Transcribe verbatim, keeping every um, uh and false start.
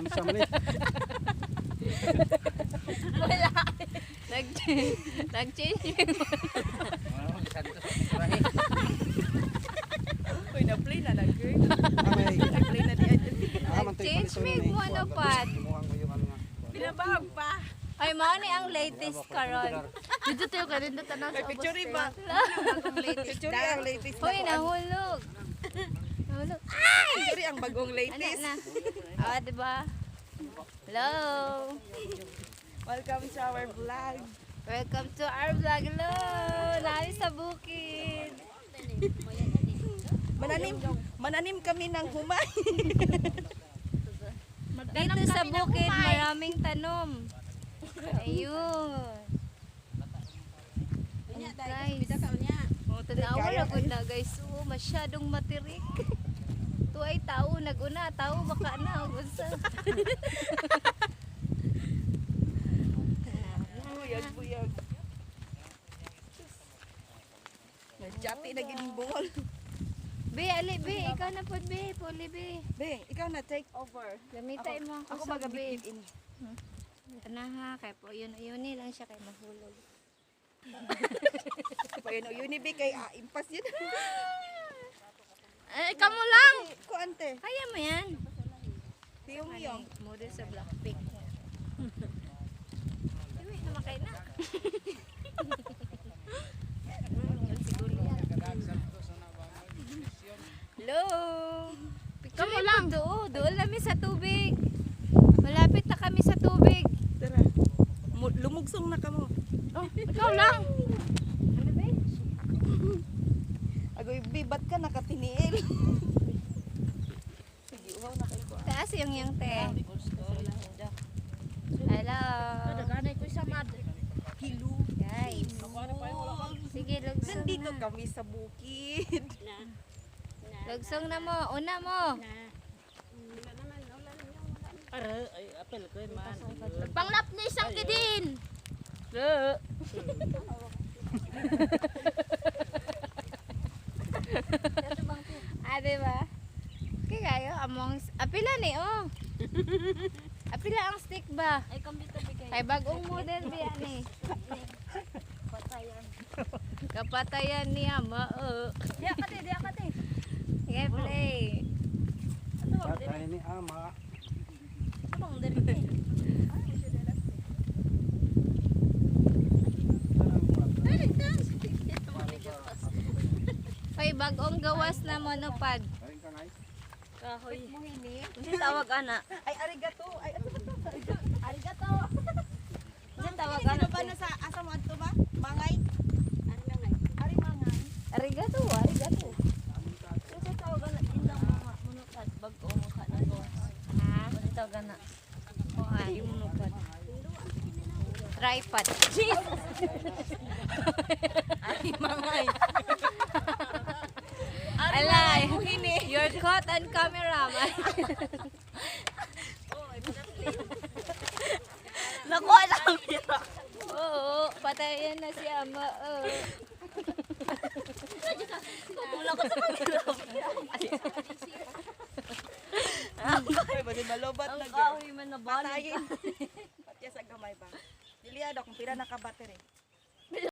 Sa mali. Wala. Nag-change. Nag-change. Uy, na-play na na, girl. Amay. Na-play na di adyo. Nag-change me mo ano pat. Binabag pa. Ay, mao ni ang latest karon. Dito tayo ka din dito na Ay, picture ba? Picture ang latest na Hoy, kuan. nahulog. Nahulog. Picture ang bagong Ana latest. na. Ah, di ba? Hello. Welcome to our vlog. Welcome to our vlog. Hello. Nari sa bukid. Mananim, mananim kami ng humay. Dito sa bukid, maraming tanom. Ayun. Ayan, guys. Oh, tanawa na gud na guys. Oh, masyadong matirik. Tu ay tao naguna, tao baka na unsa. Buyag, buyag. Nagchati na gining bungol. Be, ali be, ikaw na pod be, puli be. Be, ikaw na take over. Gamitai mo Ako ako sa be. magabit in. Ana ha, kay po yun yun ni lang siya kay mahulog. Pa yun, yun be kay ah, impas yun. Eh, kamo lang. Ko ante. Kaya mo yan. Tiyong yung. Model sa Blackpink. Uy, namakay na. Hello. Kamo lang. Doon, doon kami sa tubig. Malapit na kami sa tubig. Tara. Mu- Lumugsong na kamo. Oh, ikaw lang. Ano ba? Agoy, bibat ka nakatiniil. Sige, uhaw na kayo ko. Taas yung yung te. Hello. Ganay ko sa mad. Hilo. Guys. Sige, lugsong Nandito na. kami sa bukid. Lugsong na mo. Una mo. Para ay apel ko man. Panglap ni isang kidin. Ah, diba? Kaya kayo, among... Apila ni, oh. Apila ang stick ba? Ay kambito bigay. Ay, bagong model biya ni. Patayan. Kapatayan niya, mao. Diya ka te, diya ka te. Sige, play. Ano bang diri? Patay ni ama. Ano bang diri te? Hoy, bagong gawas na monopod. Kain ka ngay. Kahoy. Mo hini. Unsa tawag ana? Ay, arigato. Ay, ano ba to? Arigato. Unsa tawag Ano ana, ba te? na sa asa mo adto ba? Mangay? Ano lang ay? Ari mangay. Arigato, arigato. Unsa tawag ana indang mga munukad bag-o mo ka na ko. Ha? Unsa tawag ana? O, ay, monopod. Tripod. Ari mangay. Alay, you're caught on camera, man. Naku alam niya. Oo, patayan na si ama. Oh. Kumula ko sa kanila. Ay, ba din malobat na Ang girl. kahoy man na balik. Patayin. Patya sa gamay ba? Dili ada kung pila naka battery.